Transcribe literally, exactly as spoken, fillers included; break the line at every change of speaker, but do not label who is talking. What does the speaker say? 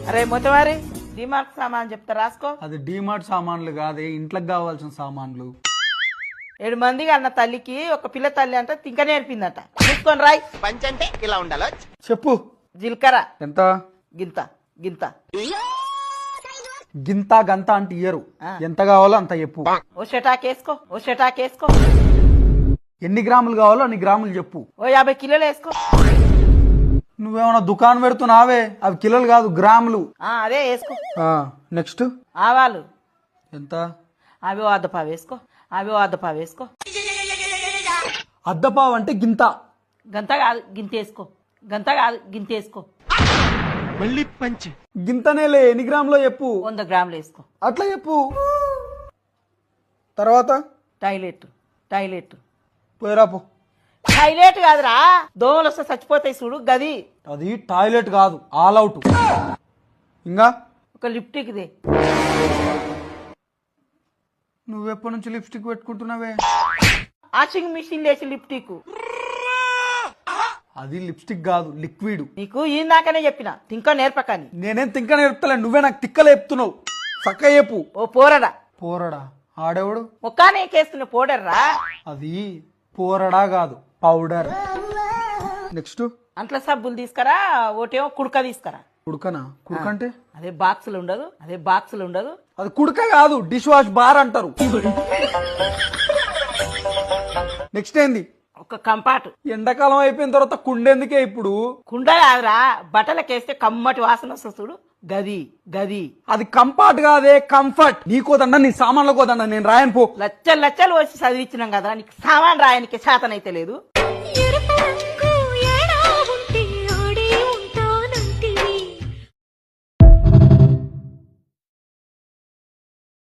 అరే మొత్తవారి డిమార్ట్ సామాన్ చెప్తా రాసుకో.
అది డిమార్ట్ సామాన్లు కాదే, ఇంట్లోకి కావాల్సిన సామాన్లు.
ఏడు మందికి అన్న తల్లికి ఒక పిల్ల తల్లి అంటే తింక నేర్పిందట. చూసుకొని రాయ్.
పంచ్ అంటే ఇలా ఉండాలి.
చెప్పు.
జీలకర్ర
ఎంత?
గింత గింత
గింత గంత అంటే ఇయ్యరు, ఎంత కావాలో అంత చెప్పు.
ఓ షటాక్ వేసుకో, ఓ షటాక్ వేసుకో.
ఎన్ని గ్రాములు కావాలో అన్ని గ్రాములు చెప్పు.
ఓ యాభై కిలోలు వేసుకో.
నువ్వేమన్నా దుకాణం పెడుతున్నావే, అవి కిలోలు కాదు గ్రాములు.
ఆ అదే వేసుకో.
నెక్స్ట్
ఆవాలు
ఎంత?
అవి ఓ అద్దపావు వేసుకో, అవి ఓ అద్దపావు వేసుకో.
అద్దపావు అంటే గింత.
గంత కాదు గింత వేసుకో, గంత కాదు గింత వేసుకో.
మళ్ళీ పంచ్.
గింతనేలే, ఎన్ని గ్రాములో చెప్పు.
వంద గ్రాములు వేసుకో.
అట్లా చెప్పు. తర్వాత
టాయిలెట్ టాయిలెట్
పోయిరాపు.
టాయిలెట్ కాదురా, దోమలు వస్తే చచ్చిపోతాయి చూడు గది.
అది టాయిలెట్ కాదు, ఆల్ అవుట్. ఇంకా
ఒక లిప్టిక్ దే.
నువ్వెప్పటి నుంచి లిప్స్టిక్ పెట్టుకుంటున్నావే?
వాషింగ్ మిషన్ లేచి లిప్టిక్.
అది లిప్స్టిక్ కాదు, లిక్విడ్.
నీకు ఇందాకనే చెప్పిన తింక నేర్పకని.
నేనేం తింక నేర్పుతలే, నువ్వే నాకు తిక్కలు చెప్తున్నావు. చక్క చెప్పు.
ఓ పోరడా.
పోరడా? ఆడేవాడు?
ముఖానే కేస్తున్న పౌడర్రా.
అది పోరడా కాదు, పౌడర్. నెక్స్ట్
అంట్ల సబ్బులు తీసుకురా, ఒకటేమో కుడక తీసుకురా.
కుడుకనా? కుడుక అంటే
అదే బాక్సులు ఉండదు, అదే బాక్సులు ఉండదు.
అది కుడుక కాదు, డిష్ వాష్ బార్ అంటారు. నెక్స్ట్ ఏంది?
ఒక కంపాటు.
ఎండాకాలం అయిపోయిన తర్వాత కుండెందుకే ఇప్పుడు?
కుండ కాదురా, బట్టలకేస్తే కమ్మటి వాసన వస్తుంది చూడు గది గది.
అది కంఫర్ట్ కాదే, కంఫర్ట్. నీకోదండ, నీ సామాన్లు కోదండ, నేను రాయను పో.
లచ్చలు లచ్చలు వచ్చి చదివించినాం కదా, నీకు సామాన్ రాయనికి శాతనైతే లేదు.